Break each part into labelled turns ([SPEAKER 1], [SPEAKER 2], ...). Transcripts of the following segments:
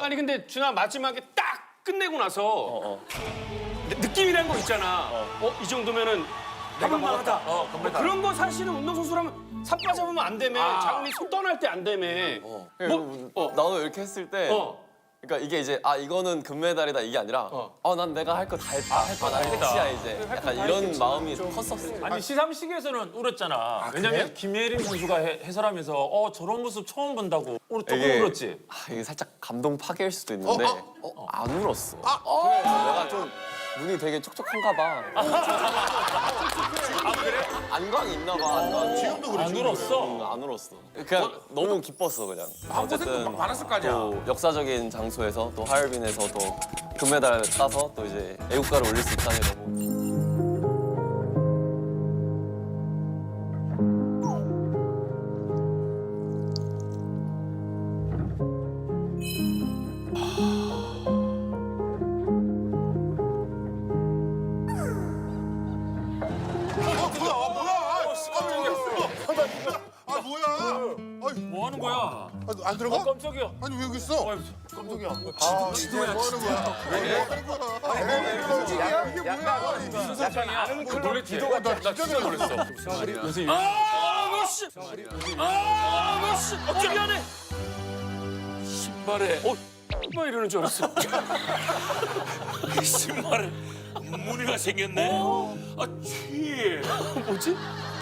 [SPEAKER 1] 아니 근데 준아 마지막에 딱 끝내고 나서 느낌이란 거 있잖아. 이 정도면은 내가 먹었다. 그런 거 사실은 운동선수라면 삽바 잡으면 안 되며 장훈이 손 떠날 때 안 되며.
[SPEAKER 2] 나도 이렇게 했을 때 그러니까 이게 이제 이거는 금메달이다 이게 아니라 난 내가 할 거 다 했다. 난 끝이야 이제. 약간 이런 마음이 컸었어.
[SPEAKER 3] 아니 시상식에서는 울었잖아. 왜냐면 김예림 선수가 해설하면서 저런 모습 처음 본다고 또 울었지.
[SPEAKER 2] 이게 살짝 감동 파괴일 수도 있는데 안 울었어. 내가 좀 눈이 되게 촉촉한가 봐. 그래? 안광이 있나 봐.
[SPEAKER 4] 지금도 그래.
[SPEAKER 3] 안 울었어.
[SPEAKER 2] 안 울었어. 그냥 너무 기뻤어 그냥. 어쨌든
[SPEAKER 4] 많았을 거 아니야.
[SPEAKER 2] 또 역사적인 장소에서 또 하얼빈에서 또 금메달 따서 또 이제 애국가를 올릴 수 있다니 너무.
[SPEAKER 3] 뭐 하는 거야?
[SPEAKER 4] 안 들어가?
[SPEAKER 3] 깜짝이야.
[SPEAKER 4] 아니 왜 여기 있어?
[SPEAKER 3] 깜짝이야.
[SPEAKER 4] 지도야. 뭐 하는 거야? 왜 하는 거야? 이게 뭐야?
[SPEAKER 3] 약간 아는 그 놀랬지.
[SPEAKER 4] 기도가 나 진짜 놀랐어.
[SPEAKER 3] 요새
[SPEAKER 1] 씨! 씨! 미안해.
[SPEAKER 3] 신발에
[SPEAKER 1] 뭐 이러는 줄 알았어.
[SPEAKER 3] 신발에 무늬가 생겼네. 취.
[SPEAKER 1] 뭐지?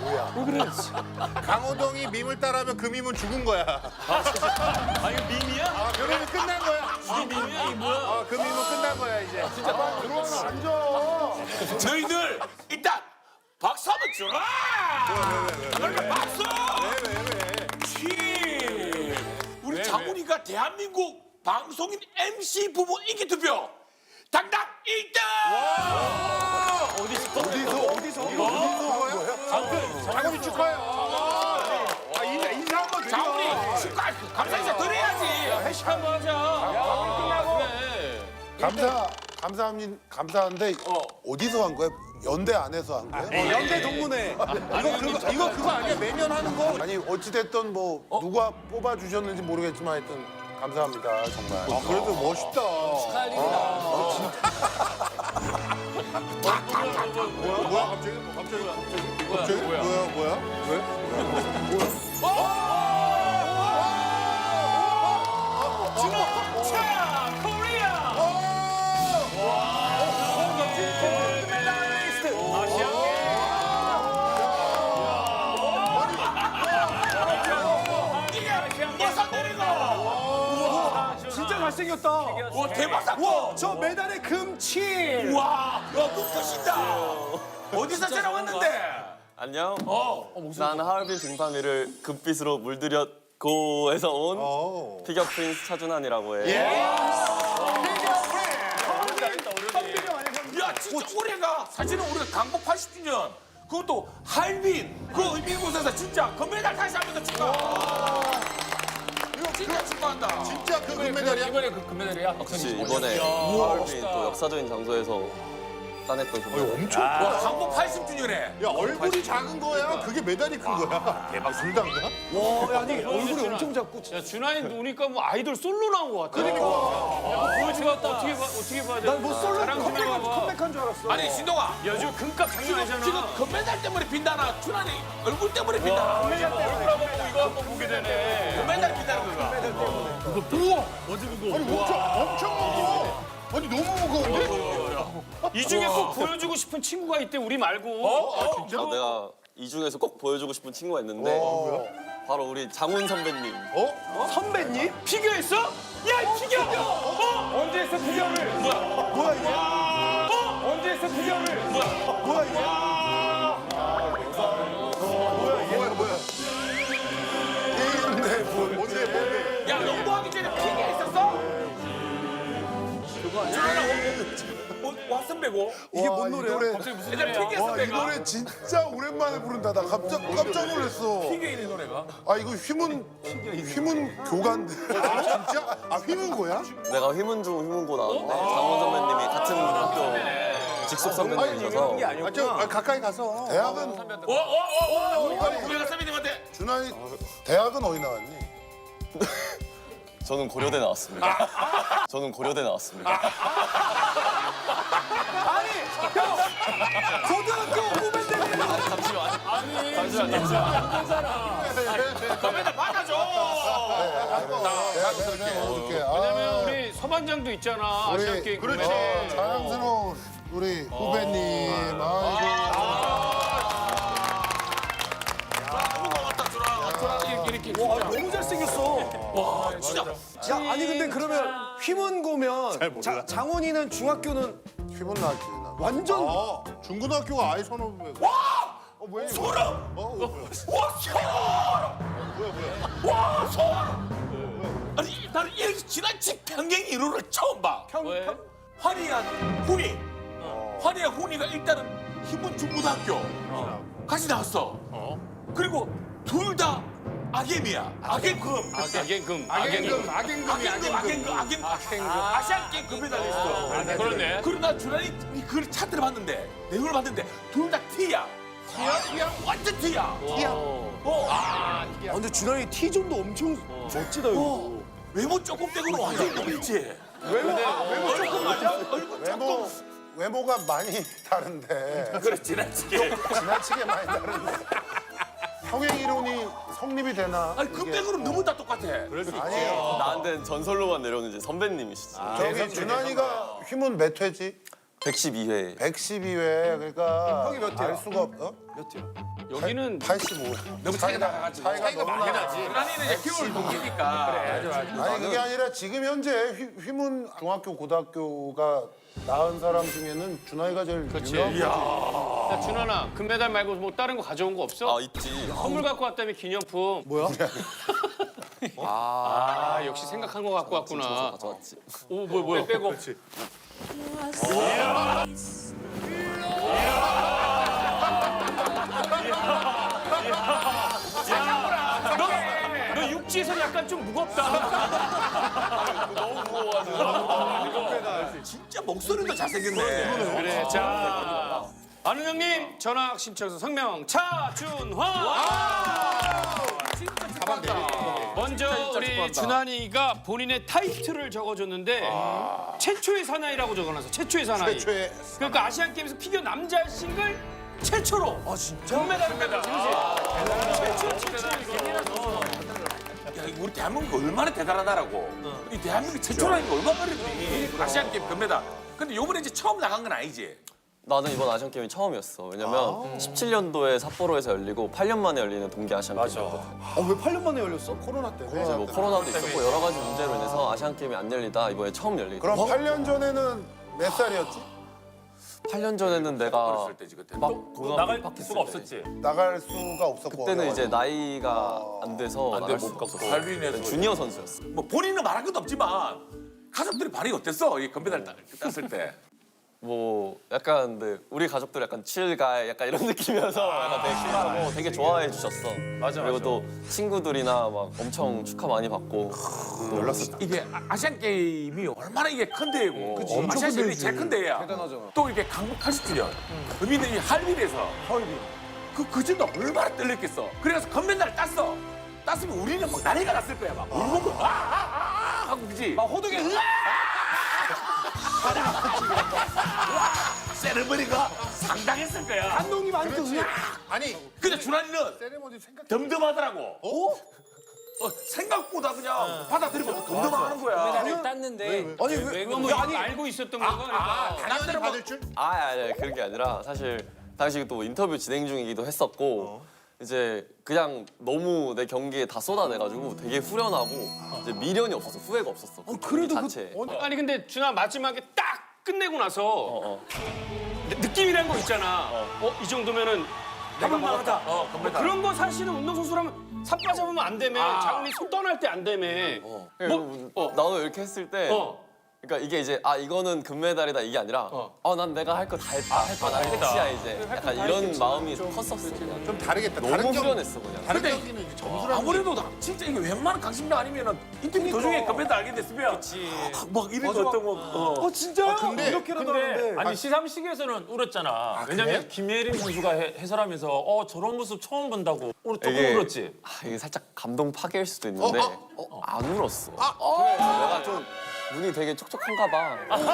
[SPEAKER 4] 강호동이 밈을 따라하면 그 밈은 죽은 거야.
[SPEAKER 3] 아 이거 밈이야?
[SPEAKER 4] 그 밈이 끝난 거야.
[SPEAKER 3] 이게 밈이야 이 뭐야?
[SPEAKER 4] 그 밈은 끝난 거야 이제. 들어와서 앉아.
[SPEAKER 5] 너희들 일단 박수 한번 줘라! 그러니까 박수! 치! 우리 장훈이가 대한민국 방송인 MC 부부 인기 투표 당당 1등!
[SPEAKER 4] 어디서 장훈이 축하해. 인사 한번 드려.
[SPEAKER 5] 장훈이 축하! 감사 인사 드려야지!
[SPEAKER 1] 회식 한번 하자.
[SPEAKER 6] 감사한데 어디서 한 거야? 연대 안에서 한 거야?
[SPEAKER 4] 연대 동문회. 이거 그거 아니야? 매년 하는 거?
[SPEAKER 6] 아니 어찌됐든 뭐 누가 뽑아주셨는지 모르겠지만 하여튼 감사합니다 정말.
[SPEAKER 4] 그래도 멋있다. 뭐야 갑자기? 뭐야? 왜?
[SPEAKER 1] 차! 코리아!
[SPEAKER 5] 예선 내리고!
[SPEAKER 1] 진짜 잘생겼다.
[SPEAKER 5] 와 대박 사건!
[SPEAKER 1] 저 메달에 금칠.
[SPEAKER 5] 와, 눈부신다! 어디서 촬영했는데?
[SPEAKER 2] 안녕. 난 하얼빈 빙판위를 금빛으로 물들였고에서 온 피겨 프린스 차준환이라고 해.
[SPEAKER 5] 야 진짜 올해가 사실은 우리가 강복 80주년 그것도 할빈 그 의미곳에서 진짜 금메달 다시 한번 더 축하. 이거 진짜 축하한다.
[SPEAKER 4] 진짜 그 금메달이야?
[SPEAKER 3] 이번에 그 금메달이야?
[SPEAKER 2] 그렇지 이번에 하얼빈 또 역사적인 장소에서 따냈던 금메달.
[SPEAKER 4] 엄청
[SPEAKER 5] 와 강복 80주년에
[SPEAKER 4] 야 얼굴이 작은 거야? 그게 메달이 큰 거야? 대박 불단가?
[SPEAKER 1] 아니 얼굴이 엄청 작고. 야 준하이 누니까 뭐 아이돌 솔로 나온 것 같아. 그러니까. 보여주고 어떻게 봐야 돼? 난뭐 솔로 컴백한 줄 알았어.
[SPEAKER 5] 아니 신동아
[SPEAKER 1] 야, 요즘 금값 장난 아니잖아.
[SPEAKER 5] 지금 금메달 때문에 빈다나 준환이 얼굴 때문에 빈다나
[SPEAKER 1] 금메달 때문에 얼굴 한번 이거 한번 보게 되네.
[SPEAKER 5] 금메달 빈다는 거가
[SPEAKER 4] 엄청 무거워. 아니 너무 무거운데?
[SPEAKER 1] 이 중에 꼭 보여주고 싶은 친구가 있대 우리 말고.
[SPEAKER 2] 내가 이 중에서 꼭 보여주고 싶은 친구가 있는데 바로 우리 장훈 선배님.
[SPEAKER 1] 선배님? 피겨했어? 야, 이 피겨! 언제 했어 피겨를?
[SPEAKER 4] 뭐야 이게?
[SPEAKER 1] 언제 했어 피겨를?
[SPEAKER 4] 뭐야 이게? 뭐야? 뭔데?
[SPEAKER 5] 야 농구하기 전에 피겨 있었어? 왓슨배고
[SPEAKER 4] 이게 뭔 노래야?
[SPEAKER 5] 얘들 피겨
[SPEAKER 6] 와 이
[SPEAKER 5] 선배가
[SPEAKER 6] 노래 진짜 오랜만에 부른다. 나 깜짝 놀랐어.
[SPEAKER 5] 피겨있는 노래가
[SPEAKER 6] 아 이거 휘문 교관데. 진짜? 아 휘문고야?
[SPEAKER 2] 내가 휘문고 나왔는데 장훈 선배님이 같은 학교 직속 선배님이셔서
[SPEAKER 4] 가까이 가서.
[SPEAKER 6] 대학은
[SPEAKER 5] 우리가 선배님한테
[SPEAKER 6] 준하이 대학은 어디 나왔니?
[SPEAKER 2] 저는 고려대 나왔습니다. 저는 고려대 나왔습니다.
[SPEAKER 7] 고등학교 후배들이
[SPEAKER 5] 금메달 받아줘.
[SPEAKER 1] 왜냐면 우리 서반장도 있잖아. 아시안 게임.
[SPEAKER 6] 그렇지. 자랑스러운 우리 후배님.
[SPEAKER 7] 너무 잘생겼어.
[SPEAKER 5] 진짜.
[SPEAKER 7] 야, 아니 근데 그러면 휘문고면 장훈이는 중학교는
[SPEAKER 6] 휘문 나왔지. 나.
[SPEAKER 7] 완전
[SPEAKER 6] 중고등학교가 아예 선후배. 뭐야?
[SPEAKER 5] 소름. 와 소름. 와 소름. 아니 나는 이렇게 지나친 평행 이론을 처음 봐. 환희한 훈이. 환희한 훈이가 일단은 휘문 중고등학교 같이 나왔어. 그리고 둘 다 악엠이야. 악엠금. 악엠금. 아시안 게임 금메달리스트.
[SPEAKER 1] 그러네.
[SPEAKER 5] 그러나 주란이 그 차트를 봤는데 내용을 봤는데 둘 다 T야. T야? 완전 T야.
[SPEAKER 7] 근데 준환이 T존도 엄청 멋지다 이거.
[SPEAKER 5] 외모 조금 떼고는 완전 몸이지.
[SPEAKER 7] 외모
[SPEAKER 5] 조금 맞아? 얼굴
[SPEAKER 6] 외모가 많이 다른데
[SPEAKER 5] 그래 지나치게.
[SPEAKER 6] 지나치게 많이 다른데 평행 이론이 성립이 되나?
[SPEAKER 5] 아니 그 빼고는 너무 다 똑같아.
[SPEAKER 6] 아니에요.
[SPEAKER 2] 나한테는 전설로만 내려오는 이제 선배님이시지.
[SPEAKER 6] 저기 준환이가 휘문 몇 회지?
[SPEAKER 2] 112회.
[SPEAKER 6] 112회. 그러니까
[SPEAKER 7] 형이 몇 회야?
[SPEAKER 6] 알 수가 없어.
[SPEAKER 1] 여기는
[SPEAKER 6] 85.
[SPEAKER 5] 너무 차이가 나가지고.
[SPEAKER 6] 차이가 너무 나지.
[SPEAKER 5] 주란이는 이제 키울 동기니까.
[SPEAKER 6] 아니 그게 아니라 지금 현재 휘문 중학교 고등학교가 낳은 사람 중에는 준환이가 제일 유명한 거지.
[SPEAKER 1] 야, 준환아 금메달 말고 뭐 다른 거 가져온 거 없어?
[SPEAKER 2] 아 있지.
[SPEAKER 1] 선물 갖고 왔다며 기념품.
[SPEAKER 7] 뭐야?
[SPEAKER 1] 아 역시 생각한 거 갖고 왔구나.
[SPEAKER 2] 가져왔지.
[SPEAKER 1] 오 뭐야 빼고. 너 육지에서 약간 좀 무겁다.
[SPEAKER 2] 너무 무거워가지고.
[SPEAKER 5] 진짜 목소리도 잘생겼네.
[SPEAKER 1] 그래 자 아는 형님 전학 신청서 성명 차준화. 먼저 우리 준환이가 본인의 타이틀을 적어줬는데 최초의 사나이라고 적어놨어. 최초의 사나이.
[SPEAKER 6] 최초의
[SPEAKER 1] 그러니까 아시안 게임에서 피겨 남자 싱글 최초로 금메달을 받았지.
[SPEAKER 5] 야, 이거 우리 대한민국 얼마나 대단하다라고. 이 대한민국 최초라니까 얼마나 어렵니. 아시안 게임 금메달. 근데 요번에 이제 처음 나간 건 아니지.
[SPEAKER 2] 나는 이번 아시안 게임이 처음이었어. 왜냐면 17년도에 삿포로에서 열리고 8년 만에 열리는 동계 아시안 게임이었거든.
[SPEAKER 7] 왜 8년 만에 열렸어?
[SPEAKER 6] 코로나 때문에.
[SPEAKER 2] 뭐 코로나도 있었고 여러 가지 문제로 인해서 아시안 게임이 안 열리다 이번에 처음 열리게.
[SPEAKER 6] 그럼 8년 전에는 몇 살이었지?
[SPEAKER 2] 8년 전에는 내가
[SPEAKER 5] 어렸을 때지 그때.
[SPEAKER 2] 막
[SPEAKER 3] 나갈
[SPEAKER 2] 고등학교
[SPEAKER 3] 수가 없었지.
[SPEAKER 6] 나갈 수가 없었고.
[SPEAKER 2] 그때는 이제 나이가 안 돼서 나갈 수
[SPEAKER 3] 못
[SPEAKER 2] 없었어.
[SPEAKER 5] 할빈에서
[SPEAKER 2] 주니어 선수였어.
[SPEAKER 5] 뭐 본인은 말한 것도 없지만 가족들이 반응이 어땠어? 이 금메달 땄을 때.
[SPEAKER 2] 뭐 약간 근데 우리 가족들 약간 칠가 약간 이런 느낌이어서 약간 되게 킬하고 되게 좋아해 주셨어.
[SPEAKER 3] 맞아,
[SPEAKER 2] 그리고
[SPEAKER 3] 맞아.
[SPEAKER 2] 또 친구들이나 막 엄청 축하 많이 받고.
[SPEAKER 6] 놀랐었다.
[SPEAKER 5] 이게 아시안 게임이 얼마나 이게 큰 대회고 아시안 게임이 제일 큰 대회야.
[SPEAKER 7] 대단하잖아.
[SPEAKER 5] 또 이게 강북 80주년. 의미는 이 할빈에서 그 전도 얼마나 떨렸겠어. 그래서 금메달을 땄어. 땄으면 우리는 막 난리가 났을 거야. 막 울고 하고 그지. 막 호동이 세레머니가 상당했을 거야.
[SPEAKER 7] 감독님 아직도 그냥
[SPEAKER 6] 아니
[SPEAKER 5] 근데 준환이는
[SPEAKER 6] 세레모니 생각.
[SPEAKER 5] 덤덤하더라고. 생각보다 그냥 받아들이고 덤덤하는 거야.
[SPEAKER 1] 금메달을 땄는데
[SPEAKER 7] 아니
[SPEAKER 1] 왜 너무 알고 있었던 거가 그러니까.
[SPEAKER 5] 당연히
[SPEAKER 6] 받을 줄?
[SPEAKER 2] 아니 그런 게 아니라 사실 당시 또 인터뷰 진행 중이기도 했었고 이제 그냥 너무 내 경기에 다 쏟아내가지고 되게 후련하고 이제 미련이 없었어. 후회가 없었어.
[SPEAKER 7] 그래도 그-
[SPEAKER 2] 자체에.
[SPEAKER 1] 아니 근데 준환 마지막에 딱 끝내고 나서 느낌이란 거 있잖아. 이 정도면은 내가 먹었다. 그런 거 사실은 운동선수라면 삿바 잡으면 안 되며 장훈이 손 떠날 때 안 되며.
[SPEAKER 2] 나도 이렇게 했을 때 그러니까 이게 이제 아 이거는 금메달이다 이게 아니라 난 내가 할 거 다 했다. 나 끝이야 이제. 약간 이런 마음이 컸었어. 그냥.
[SPEAKER 6] 좀 다르겠다.
[SPEAKER 2] 너무 후련했어 그냥.
[SPEAKER 6] 다른 경기는 이제 점수라는
[SPEAKER 5] 아무래도 진짜 이게 웬만한 강심장 아니면은 인터뷰 도중에 금메달 알게 됐으면 막 이런 거 어떤 거
[SPEAKER 7] 진짜요?
[SPEAKER 6] 근데-
[SPEAKER 7] 이렇게라도
[SPEAKER 3] 근데
[SPEAKER 7] 하는데.
[SPEAKER 3] 아니 시상식에서는 울었잖아. 왜냐면 김예림 선수가 해설하면서 저런 모습 처음 본다고 조금
[SPEAKER 2] 이게-
[SPEAKER 3] 울었지.
[SPEAKER 2] 이게 살짝 감동 파괴일 수도 있는데 안 울었어. 내가 좀 눈이 되게 촉촉한가 봐.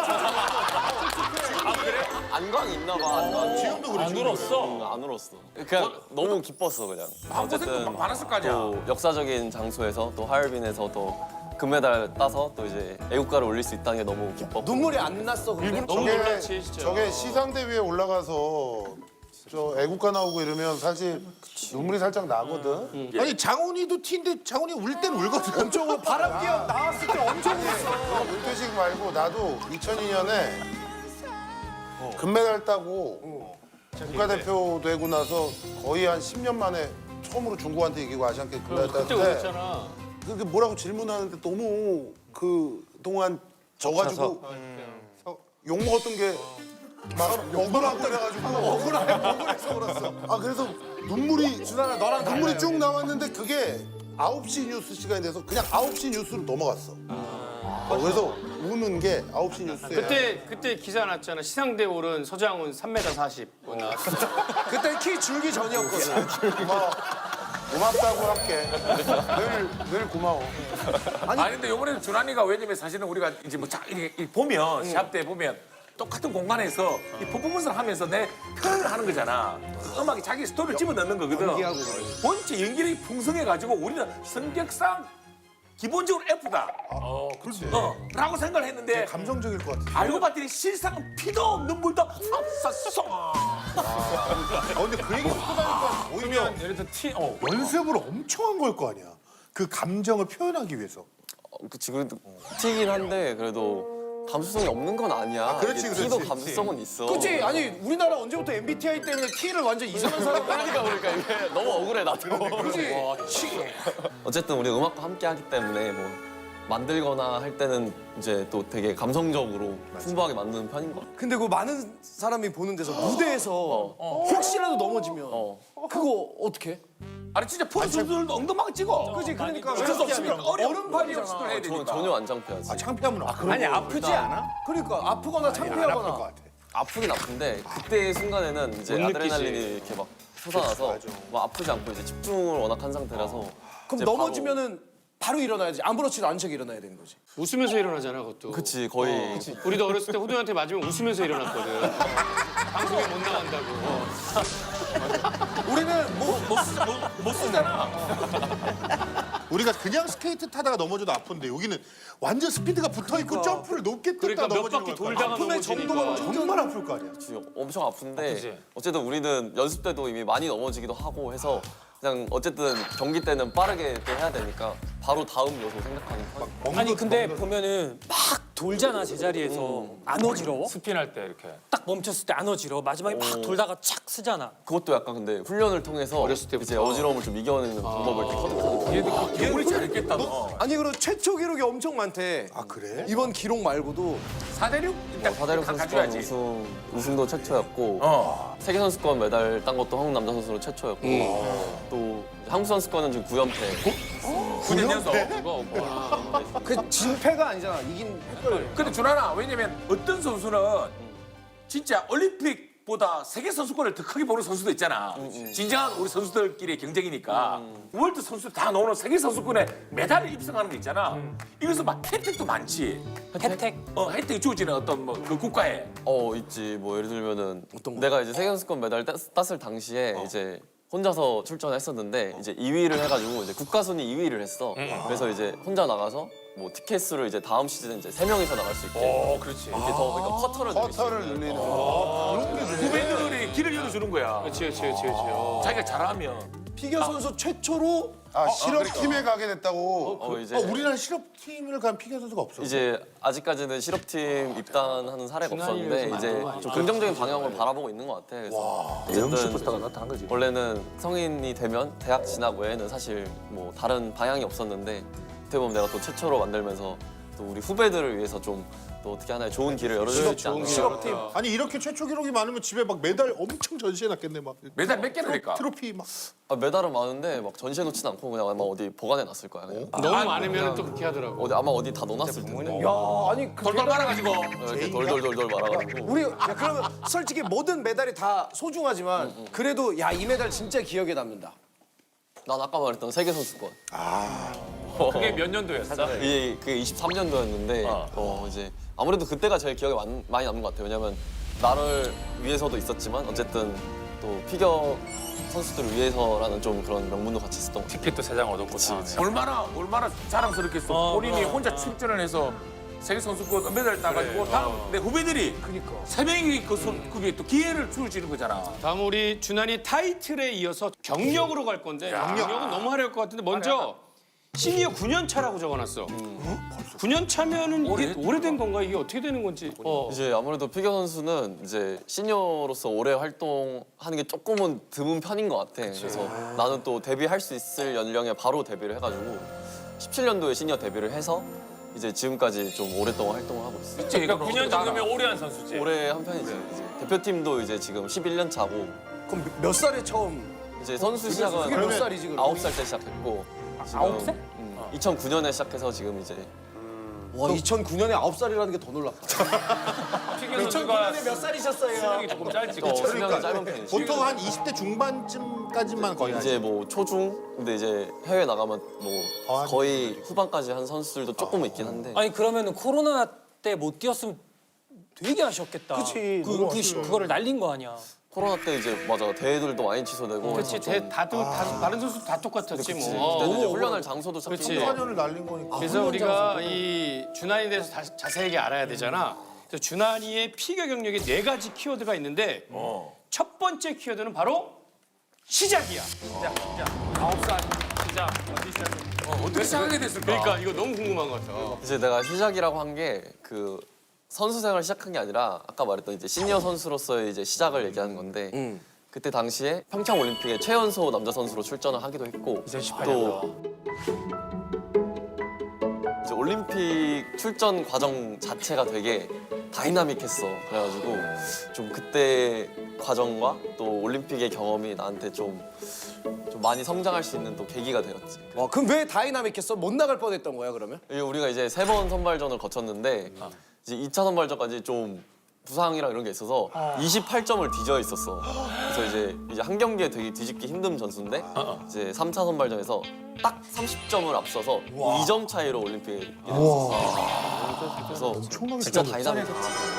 [SPEAKER 2] 안광이 있나 봐. 안광이.
[SPEAKER 6] 지금도 그래.
[SPEAKER 3] 안 울었어.
[SPEAKER 2] 안 울었어. 그냥 너무 기뻤어 그냥.
[SPEAKER 5] 마음고생도 많았을 거 아니야.
[SPEAKER 2] 또 역사적인 장소에서 또 하얼빈에서 또 금메달 따서 또 이제 애국가를 올릴 수 있다는 게 너무 기뻤고.
[SPEAKER 7] 눈물이 안 났어. 근데.
[SPEAKER 1] 너무 놀랐지 진짜.
[SPEAKER 6] 저게 시상대 위에 올라가서 저 애국가 나오고 이러면 사실 눈물이 살짝 나거든.
[SPEAKER 4] 아니 장훈이도 티인데 장훈이 울 땐 울거든.
[SPEAKER 7] 엄청 바람기업 나왔을 때 엄청 울었어.
[SPEAKER 6] 은퇴식 말고 나도 2002년에 금메달 따고 국가대표 되고 나서 거의 한 10년 만에 처음으로 중국한테 이기고 아시안게임 금메달
[SPEAKER 1] 그때
[SPEAKER 6] 땄을 때
[SPEAKER 1] 울었잖아.
[SPEAKER 6] 그게 뭐라고 질문하는데 너무 그 동안 져가지고 욕 먹었던 게 막 억울하고 그래가지고 억울해서 울었어. 아 그래서 눈물이
[SPEAKER 7] 너랑
[SPEAKER 6] 눈물이 쭉 나왔는데 그게 9시 뉴스 시간이 돼서 그냥 9시 뉴스로 넘어갔어. 그래서 우는 게 9시 뉴스에
[SPEAKER 1] 그때 기사 났잖아. 시상대 오른 서장훈 3m 40 나왔어.
[SPEAKER 7] 그때 키 줄기 전이었거든.
[SPEAKER 6] 고맙다고 할게. 늘 고마워.
[SPEAKER 5] 아니 근데 이번에는 준환이가 왜냐면 사실은 우리가 이제 뭐 이렇게 보면 시합 때 보면 똑같은 공간에서 이 퍼포먼스를 하면서 내 표현을 하는 거잖아. 음악이 자기 스토리를 집어넣는 거거든. 본체 연기력이 풍성해가지고 우리는 성격상 기본적으로 F다.
[SPEAKER 6] 그렇지.
[SPEAKER 5] 라고 생각을 했는데
[SPEAKER 6] 감성적일 것 같아.
[SPEAKER 5] 알고 봤더니 실상 피도 눈물도 없었어.
[SPEAKER 4] 근데 그 얘기 듣고 나니까 오히려
[SPEAKER 3] 예를 들어
[SPEAKER 4] 연습을 엄청 한 걸 거 아니야. 그 감정을 표현하기 위해서.
[SPEAKER 2] 그치 그래도 튀긴 한데 그래도 감수성이 없는 건 아니야.
[SPEAKER 4] 그렇지,
[SPEAKER 2] 이게
[SPEAKER 4] 그렇지.
[SPEAKER 2] 티도 감수성은 있어.
[SPEAKER 7] 그치? 아니 우리나라 언제부터 MBTI 때문에 T를 완전 이상한 사람
[SPEAKER 2] 그러니까 이게 너무 억울해 나도.
[SPEAKER 7] 그치?
[SPEAKER 2] 어쨌든 우리 음악과 함께 하기 때문에 뭐 만들거나 할 때는 이제 또 되게 감성적으로 풍부하게 만드는 편인 것 같아.
[SPEAKER 7] 근데 그 많은 사람이 보는 데서 무대에서 혹시라도 넘어지면 그거 어떻게?
[SPEAKER 5] 아니 진짜 프로 선수들도 엉덩방을 찍어.
[SPEAKER 7] 그치? 그러니까
[SPEAKER 5] 어쩔 수 없으면 얼음판이
[SPEAKER 7] 얼음판이잖아.
[SPEAKER 5] 연습을 해야 되니까.
[SPEAKER 2] 전혀 안 창피하지.
[SPEAKER 4] 창피하면
[SPEAKER 6] 아니 아프지 않아?
[SPEAKER 7] 그러니까 아프거나
[SPEAKER 4] 안 아플 것
[SPEAKER 7] 창피하거나.
[SPEAKER 4] 같아.
[SPEAKER 2] 아프긴 아픈데 그때 순간에는 이제
[SPEAKER 1] 못
[SPEAKER 2] 아드레날린이 이렇게 막 솟아나서
[SPEAKER 4] 맞아.
[SPEAKER 2] 막 아프지 않고 이제 집중을 워낙 한 상태라서
[SPEAKER 7] 그럼
[SPEAKER 2] 이제
[SPEAKER 7] 넘어지면은 바로 일어나야지. 아무렇지도 않은 척 일어나야 되는 거지.
[SPEAKER 1] 웃으면서 일어나잖아 그것도.
[SPEAKER 2] 그치 거의
[SPEAKER 1] 우리도 어렸을 때 호동이한테 맞으면 웃으면서 일어났거든. 방송에 못 나간다고.
[SPEAKER 7] 우리는
[SPEAKER 5] 못 쓰잖아.
[SPEAKER 4] 우리가 그냥 스케이트 타다가 넘어져도 아픈데 여기는 완전 스피드가 붙어 있고 점프를 높게 뜯다
[SPEAKER 1] 그러니까 몇
[SPEAKER 4] 넘어지는
[SPEAKER 1] 바퀴
[SPEAKER 4] 거야.
[SPEAKER 1] 돌다가
[SPEAKER 7] 아픔의 정도가
[SPEAKER 1] 넘어지니까.
[SPEAKER 4] 정말 아플 거 아니야.
[SPEAKER 2] 엄청 아픈데
[SPEAKER 3] 그치.
[SPEAKER 2] 어쨌든 우리는 연습 때도 이미 많이 넘어지기도 하고 해서 그냥 어쨌든 경기 때는 빠르게 또 해야 되니까 바로 다음 요소 생각하는 편.
[SPEAKER 8] 아니 근데 보면은 막 돌잖아 제자리에서 안 어지러워?
[SPEAKER 3] 스핀할 때 이렇게.
[SPEAKER 8] 딱 멈췄을 때 안 어지러워 마지막에 막 돌다가 착 쓰잖아.
[SPEAKER 2] 그것도 약간 근데 훈련을 통해서
[SPEAKER 1] 어렸을 때부터.
[SPEAKER 2] 이제 어지러움을 좀 이겨내는 방법을 이렇게 터득하는
[SPEAKER 5] 개구리 잘했겠다 너.
[SPEAKER 7] 아니 그리고 최초 기록이 엄청 많대.
[SPEAKER 4] 아 그래?
[SPEAKER 7] 이번 기록 말고도
[SPEAKER 5] 4대륙 일단
[SPEAKER 2] 사대륙 선수권
[SPEAKER 5] 가져야지.
[SPEAKER 2] 우승도 최초였고 세계 선수권 메달 딴 것도 한국 남자 선수로 최초였고 또 한국 선수권은 지금 9연패.
[SPEAKER 5] 9년 연속.
[SPEAKER 7] 그 진패가 아니잖아. 이긴 헷갈려.
[SPEAKER 5] 근데 준하나 왜냐면 어떤 선수는 진짜 올림픽보다 세계 선수권을 더 크게 보는 선수도 있잖아. 진정한 우리 선수들끼리의 경쟁이니까 월드 선수들 다 나오는 세계 선수권에 메달을 입성하는 게 있잖아. 이것은 막 혜택도 많지.
[SPEAKER 8] 혜택?
[SPEAKER 5] 혜택이 주어지는 어떤 뭐 그 국가에.
[SPEAKER 2] 있지. 뭐 예를 들면은 내가 이제 세계 선수권 메달 땄을 당시에 이제 혼자서 출전했었는데 이제 2위를 해가지고 이제 국가 순위 2위를 했어. 그래서 이제 혼자 나가서 뭐 티켓수를 이제 다음 시즌에 이제 3명이서 나갈 수 있게.
[SPEAKER 5] 그렇지.
[SPEAKER 2] 이렇게 더 그러니까 커터를 늘릴 수
[SPEAKER 6] 커터를
[SPEAKER 2] 있는.
[SPEAKER 6] 늘리는
[SPEAKER 5] 후배들이 길을 열어주는 거야.
[SPEAKER 1] 그렇지.
[SPEAKER 5] 자기가 잘하면.
[SPEAKER 7] 피겨 선수 최초로
[SPEAKER 6] 실업팀에 가게 됐다고.
[SPEAKER 2] 이제
[SPEAKER 4] 우리나라 실업팀을 간 피겨 선수가 없어.
[SPEAKER 2] 이제 아직까지는 실업팀 입단하는 사례가 없었는데 이제 좀 긍정적인 방향으로 바라보고 있는 것 같아. 그래서
[SPEAKER 4] 대형
[SPEAKER 2] 어쨌든
[SPEAKER 4] 슈퍼스타가 나타난 거지.
[SPEAKER 2] 원래는 성인이 되면 대학 진학 외에는 사실 뭐 다른 방향이 없었는데 어떻게 보면 내가 또 최초로 만들면서 또 우리 후배들을 위해서 좀 또 어떻게 하나의 좋은 길을 열어줄 수 있지 않나.
[SPEAKER 4] 실업팀. 아니 이렇게 최초 기록이 많으면 집에 막 메달 엄청 전시해놨겠네 막.
[SPEAKER 5] 메달 몇 개나 될까?
[SPEAKER 4] 트로피 막.
[SPEAKER 2] 메달은 많은데 막 전시해 놓진 않고 그냥 아마 어디 보관해 놨을 거야. 그냥.
[SPEAKER 1] 너무 많으면 또 그렇게 하더라고.
[SPEAKER 2] 아마 어디 다 넣어놨을 텐데.
[SPEAKER 7] 야, 아니 그
[SPEAKER 5] 돌돌 말아가지고
[SPEAKER 2] 이렇게 돌돌돌돌 말아가지고.
[SPEAKER 7] 우리 야, 그러면 솔직히 모든 메달이 다 소중하지만 그래도 야 이 메달 진짜 기억에 남는다.
[SPEAKER 2] 난 아까 말했던 세계 선수권.
[SPEAKER 3] 그게 몇 년도였어?
[SPEAKER 2] 그게 23년도였는데 이제 아무래도 그때가 제일 기억에 많이 남는 것 같아요. 왜냐면 나를 위해서도 있었지만 어쨌든 또 피겨 선수들을 위해서라는 좀 그런 명분도 같이 있었던 것 같아요.
[SPEAKER 3] 티켓도 3장 얻었고 다.
[SPEAKER 5] 얼마나 자랑스럽겠어. 본인이 혼자 출전을 해서 세계 선수권 메달 따가지고 다음 내 후배들이 세 명이 그 그게 또 기회를 주어지는 거잖아.
[SPEAKER 1] 다음 우리 준환이 타이틀에 이어서 경력으로 갈 건데 경력은 너무 화려할 것 같은데 먼저 시니어 9년 차라고 적어놨어. 9년 차면은 이게 오래된 건가? 이게 어떻게 되는 건지.
[SPEAKER 2] 이제 아무래도 피겨 선수는 이제 시니어로서 오래 활동하는 게 조금은 드문 편인 것 같아. 그래서 나는 또 데뷔할 수 있을 연령에 바로 데뷔를 해가지고 17년도에 시니어 데뷔를 해서 이제 지금까지 좀 오랫동안 활동을 하고 있어.
[SPEAKER 3] 그러니까 9년 정도면 오래 한 선수지.
[SPEAKER 2] 올해 한 편이지. 이제 대표팀도 이제 지금 11년 차고
[SPEAKER 7] 그럼 몇 살에 처음?
[SPEAKER 2] 이제 선수 시작은
[SPEAKER 7] 그게 몇 살이지 그럼?
[SPEAKER 2] 9살 때 시작했고.
[SPEAKER 3] 9살?
[SPEAKER 2] 2009년에 시작해서 지금 이제
[SPEAKER 7] 와 2009년에 9살이라는 게 더 놀랍다.
[SPEAKER 3] 피겨 선수가
[SPEAKER 7] 2009년에 몇 살이셨어요?
[SPEAKER 3] 수명이 조금 짧지.
[SPEAKER 2] 수명이 짧은 편이지.
[SPEAKER 4] 보통 한 20대 중반쯤까지만 거의 하지.
[SPEAKER 2] 이제 뭐 초중 근데 이제 해외 나가면 뭐 거의 후반까지 한 선수들도 조금 있긴 한데
[SPEAKER 8] 아니 그러면은 코로나 때 못 뛰었으면 되게 아쉬웠겠다.
[SPEAKER 7] 그치,
[SPEAKER 8] 그거를 날린 거 아니야.
[SPEAKER 2] 코로나 때 이제 맞아 대회들도 많이 취소되고
[SPEAKER 1] 그렇지, 다른 선수 다 똑같았지 뭐.
[SPEAKER 2] 그때는 이제 훈련할 장소도
[SPEAKER 1] 그렇지.
[SPEAKER 2] 잡히고
[SPEAKER 4] 4년을 날린 거니까.
[SPEAKER 1] 그래서 우리가 이 준환이에 대해서 자세하게 알아야 되잖아. 그래서 준환이의 피겨 경력에 4가지 키워드가 있는데 첫 번째 키워드는 바로 시작이야.
[SPEAKER 5] 어떻게 시작하게 됐을까?
[SPEAKER 1] 그러니까 이거 너무 궁금한 것 같아.
[SPEAKER 2] 이제 내가 시작이라고 한 게 그 선수 생활을 시작한 게 아니라 아까 말했던 이제 시니어 선수로서의 이제 시작을 얘기하는 건데 그때 당시에 평창 올림픽에 최연소 남자 선수로 출전을 하기도 했고 또 이제 올림픽 출전 과정 자체가 되게 다이나믹했어. 그래가지고 좀 그때 과정과 또 올림픽의 경험이 나한테 좀 많이 성장할 수 있는 또 계기가 되었지.
[SPEAKER 7] 와 그럼 왜 다이나믹했어? 못 나갈 뻔했던 거야 그러면?
[SPEAKER 2] 우리가 이제 3번 선발전을 거쳤는데 이제 2차 선발전까지 좀 부상이랑 이런 게 있어서 28점을 뒤져 있었어. 그래서 이제 한 경기에 되게 뒤집기 힘든 전수인데 이제 3차 선발전에서 딱 30점을 앞서서 2점 차이로 올림픽에 이뤘었어. 그래서 진짜 다이나믹했지.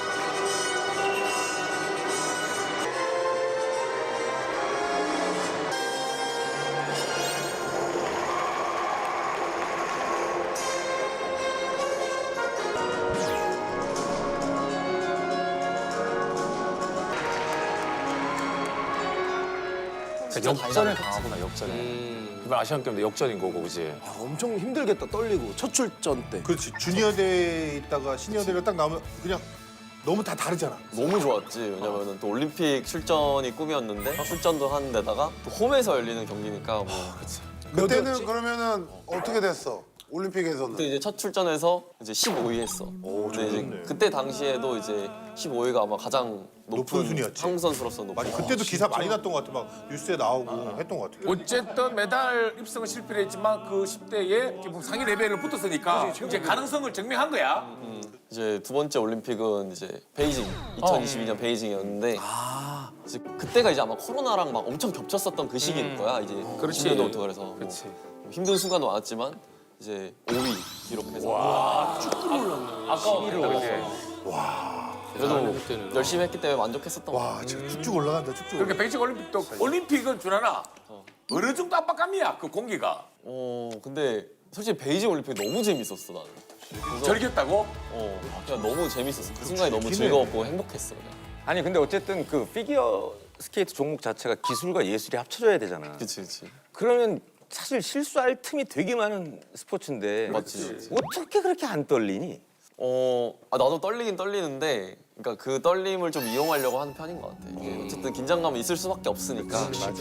[SPEAKER 3] 역전을 당하구나 역전에. 이번 아시안 게임도 역전인 거고 그지.
[SPEAKER 7] 야, 엄청 힘들겠다 떨리고 첫 출전 때.
[SPEAKER 4] 그렇지. 주니어 대회 있다가 시니어 대회를 딱 나오면 그냥 너무 다 다르잖아.
[SPEAKER 2] 너무 좋았지. 왜냐면은 또 올림픽 출전이 꿈이었는데 출전도 하는 데다가 또 홈에서 열리는 경기니까 뭐
[SPEAKER 6] 그때는 그러면은 어떻게 됐어? 올림픽에서는?
[SPEAKER 2] 그때 이제 첫 출전해서 이제 15위 했어. 근데 이제 그때 당시에도 이제 15위가 아마 가장
[SPEAKER 4] 높은 순위였지.
[SPEAKER 2] 한국 선수로서 높은.
[SPEAKER 4] 맞아. 그때도 기사 많이 났던 것 같아. 막 뉴스에 나오고 했던 것 같아.
[SPEAKER 5] 어쨌든 메달 입성은 실패를 했지만 그 10대에 상위 레벨을 붙었으니까 이제 가능성을 증명한 거야.
[SPEAKER 2] 이제 두 번째 올림픽은 이제 베이징 2022년 베이징이었는데 이제 그때가 이제 아마 코로나랑 막 엄청 겹쳤었던 그 시기일 거야. 이제
[SPEAKER 5] 그렇지.
[SPEAKER 2] 10년도부터 그래서 뭐 힘든 순간도 많았지만 이제 5위 기록해서
[SPEAKER 3] 아까웠겠다 그게.
[SPEAKER 2] 그래도 열심히 했기 때문에 만족했었던 것 같아.
[SPEAKER 4] 와, 지금 쭉쭉 올라간다. 쭉쭉.
[SPEAKER 5] 그러니까 베이징 올림픽도 올림픽은 줄하나 어느 정도 압박감이야 그 공기가.
[SPEAKER 2] 근데 솔직히 베이징 올림픽 너무 재밌었어 나는. 그래서
[SPEAKER 5] 절겼다고?
[SPEAKER 2] 그냥 너무 재밌었어. 그 순간이 너무 즐거웠고 행복했어. 그냥.
[SPEAKER 9] 아니 근데 어쨌든 그 피겨 스케이트 종목 자체가 기술과 예술이 합쳐져야 되잖아.
[SPEAKER 2] 그치.
[SPEAKER 9] 그러면 사실 실수할 틈이 되게 많은 스포츠인데
[SPEAKER 2] 맞지.
[SPEAKER 9] 어떻게 그렇게 안 떨리니?
[SPEAKER 2] 나도 떨리긴 떨리는데, 그러니까 그 떨림을 좀 이용하려고 하는 편인 것 같아. 이게 어쨌든 긴장감이 있을 수밖에 없으니까.
[SPEAKER 4] 맞아.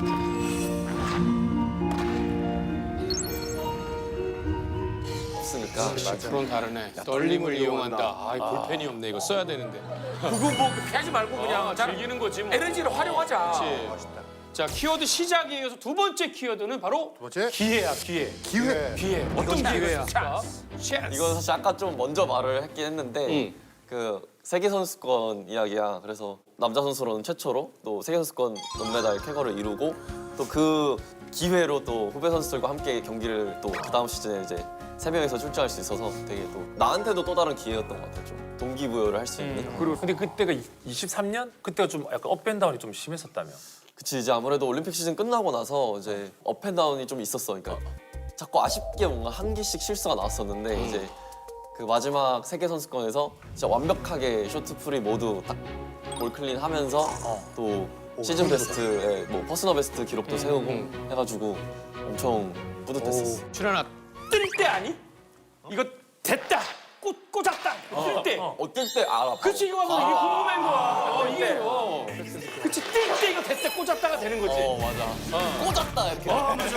[SPEAKER 2] 없으니까. 되니까.
[SPEAKER 1] 프로는 다르네. 떨림을 이용한다. 아, 볼펜이 없네. 이거 써야 되는데.
[SPEAKER 5] 그거 뭐 피하지 말고 그냥 잘
[SPEAKER 1] 즐기는 거지 뭐.
[SPEAKER 5] 에너지를 활용하자.
[SPEAKER 1] 그렇지. 자, 키워드 시작에 이어서 두 번째 키워드는 바로
[SPEAKER 4] 번째
[SPEAKER 1] 기회야, 기회.
[SPEAKER 4] 기회.
[SPEAKER 1] 어떤 기회가 있을까?
[SPEAKER 2] 이건 사실 아까 좀 먼저 말을 했긴 했는데 그 세계 선수권 이야기야. 그래서 남자 선수로는 최초로 또 세계 선수권 금메달 쾌거를 이루고 또 그 기회로 또 후배 선수들과 함께 경기를 또 그 다음 시즌에 이제 세 명이서 출전할 수 있어서 되게 또 나한테도 또 다른 기회였던 것 같아요. 좀 동기부여를 할 수 있는.
[SPEAKER 3] 그리고 근데 그때가 23년? 그때가 좀 약간 업앤다운이 좀 심했었다며.
[SPEAKER 2] 그치 이제 아무래도 올림픽 시즌 끝나고 나서 이제 업앤다운이 좀 있었어. 그러니까 자꾸 아쉽게 뭔가 한 개씩 실수가 나왔었는데 이제 그 마지막 세계 선수권에서 진짜 완벽하게 쇼트풀이 모두 딱 올클린 하면서 또 시즌 베스트에 뭐 퍼스널 베스트 기록도 세우고 해가지고 엄청 뿌듯했었어.
[SPEAKER 1] 출연아, 뜰 때 아니? 이거 됐다. 꽂았다. 뜰 때.
[SPEAKER 2] 어떨 때 알아.
[SPEAKER 1] 그치, 이거 봐서 이게 궁금한 거야. 이게 이거. 그치, 뜰 때 이거 됐다. 꽂았다가 되는 거지.
[SPEAKER 2] 맞아. 꽂았다 이렇게.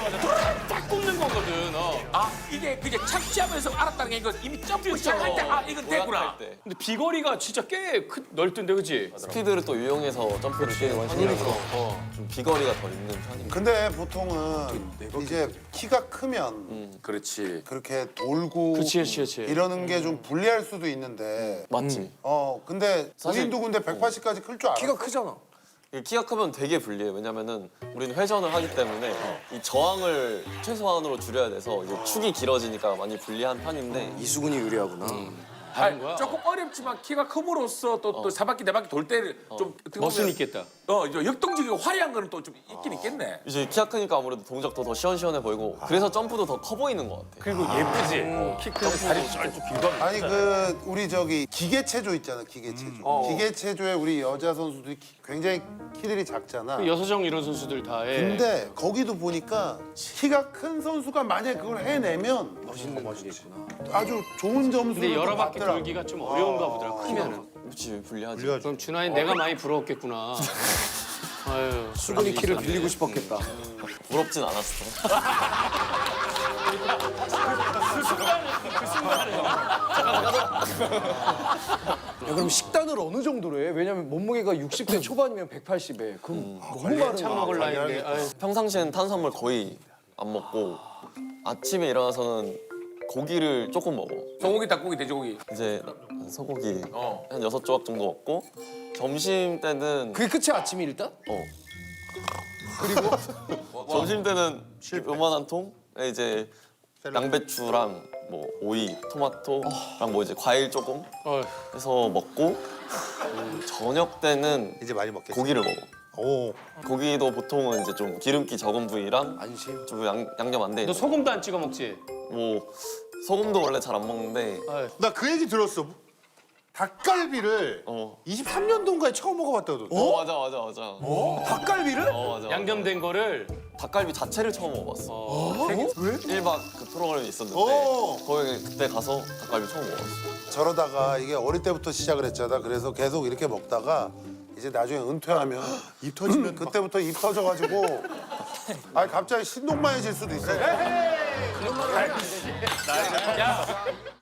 [SPEAKER 1] 딱 꽂는 거거든.
[SPEAKER 5] 아 이게 그게 착지하면서 알았다는 게 이거 이미 점프 시작할 때 아 이건 됐구나.
[SPEAKER 2] 올라갈 때.
[SPEAKER 1] 근데 비거리가 진짜 꽤 넓던데, 그치?
[SPEAKER 2] 스피드를 또 이용해서 점프를 뛰는 편이라서 좀 비거리가 더 있는 편입니다.
[SPEAKER 6] 근데 보통은 이제 키가 크면
[SPEAKER 5] 그렇지.
[SPEAKER 6] 그렇게 돌고
[SPEAKER 1] 그치.
[SPEAKER 6] 이러는 게 좀 불리할 수도 있는데
[SPEAKER 2] 맞지.
[SPEAKER 6] 근데
[SPEAKER 2] 사실-
[SPEAKER 6] 본인도 근데 180까지 클 줄 알아.
[SPEAKER 7] 키가 크잖아.
[SPEAKER 2] 키가 크면 되게 불리해. 왜냐면은 우리는 회전을 하기 때문에 이 저항을 최소한으로 줄여야 돼서 이제 축이 길어지니까 많이 불리한 편인데
[SPEAKER 7] 이수근이 유리하구나.
[SPEAKER 1] 다른 거야?
[SPEAKER 5] 조금 어렵지만 키가 큼으로써 또 사바퀴 네 바퀴 돌 때 좀
[SPEAKER 1] 멋은 있겠다.
[SPEAKER 5] 역동적이고 화려한 거는 또 좀 있긴 있겠네.
[SPEAKER 2] 이제 키가 크니까 아무래도 동작도 더 시원시원해 보이고 그래서 점프도 더 커 보이는 것 같아.
[SPEAKER 3] 그리고 예쁘지? 키 크고 다리 쩔쭉 길고.
[SPEAKER 6] 아니 그 우리 저기 기계체조 있잖아 기계체조. 기계체조에 우리 여자 선수들이 굉장히 키들이 작잖아.
[SPEAKER 1] 여서정 이런 선수들 다 해.
[SPEAKER 6] 근데 거기도 보니까 키가 큰 선수가 만약에 그걸 해내면 아주 좋은 점수를
[SPEAKER 1] 근데 여러
[SPEAKER 6] 또
[SPEAKER 1] 바퀴
[SPEAKER 6] 받더라고.
[SPEAKER 1] 돌기가 좀 어려운가 보더라, 크면은.
[SPEAKER 2] 그렇지 불리하지.
[SPEAKER 1] 그럼 준하이 내가 많이 부러웠겠구나. 아유,
[SPEAKER 7] 수근이 키를 빌리고 싶었겠다.
[SPEAKER 2] 부럽진 않았어.
[SPEAKER 7] 야, 그럼 식단을 어느 정도로 해? 왜냐면 몸무게가 60대 초반이면 180에. 그럼 너무 마른
[SPEAKER 1] 참 먹을 나이인데. 아유.
[SPEAKER 2] 평상시엔 탄수화물 거의 안 먹고 아침에 일어나서는 고기를 조금 먹어.
[SPEAKER 5] 소고기, 닭고기, 돼지고기.
[SPEAKER 2] 이제 소고기 한 6조각 정도 먹고 점심 때는
[SPEAKER 7] 그게 끝이야 아침이 일단?
[SPEAKER 2] 점심 때는 요만한 통에 이제 양배추랑 뭐 오이, 토마토랑 뭐 이제 과일 조금
[SPEAKER 1] 어휴.
[SPEAKER 2] 해서 먹고 저녁 때는
[SPEAKER 4] 이제 많이 먹겠지.
[SPEAKER 2] 고기를 먹어.
[SPEAKER 4] 오.
[SPEAKER 2] 고기도 보통은 이제 좀 기름기 적은 부위랑
[SPEAKER 7] 안심.
[SPEAKER 2] 좀 양념 안 돼
[SPEAKER 1] 너
[SPEAKER 2] 있는
[SPEAKER 1] 소금도 안 찍어 먹지?
[SPEAKER 2] 뭐 소금도 원래 잘 안 먹는데
[SPEAKER 4] 나 그 얘기 들었어. 닭갈비를 23년도인가에 처음 먹어봤다고.
[SPEAKER 2] 맞아.
[SPEAKER 7] 닭갈비를?
[SPEAKER 2] 맞아.
[SPEAKER 1] 양념된 거를
[SPEAKER 2] 닭갈비 자체를 처음 먹어봤어.
[SPEAKER 4] 왜?
[SPEAKER 2] 1박 그 프로그램이 있었는데 거기 그때 가서 닭갈비 처음 먹었어.
[SPEAKER 6] 저러다가 이게 어릴 때부터 시작을 했잖아. 그래서 계속 이렇게 먹다가 이제 나중에 은퇴하면
[SPEAKER 4] 입 터지면
[SPEAKER 6] 그때부터 입 터져가지고 갑자기 신동만해질 수도 있어.
[SPEAKER 1] 야,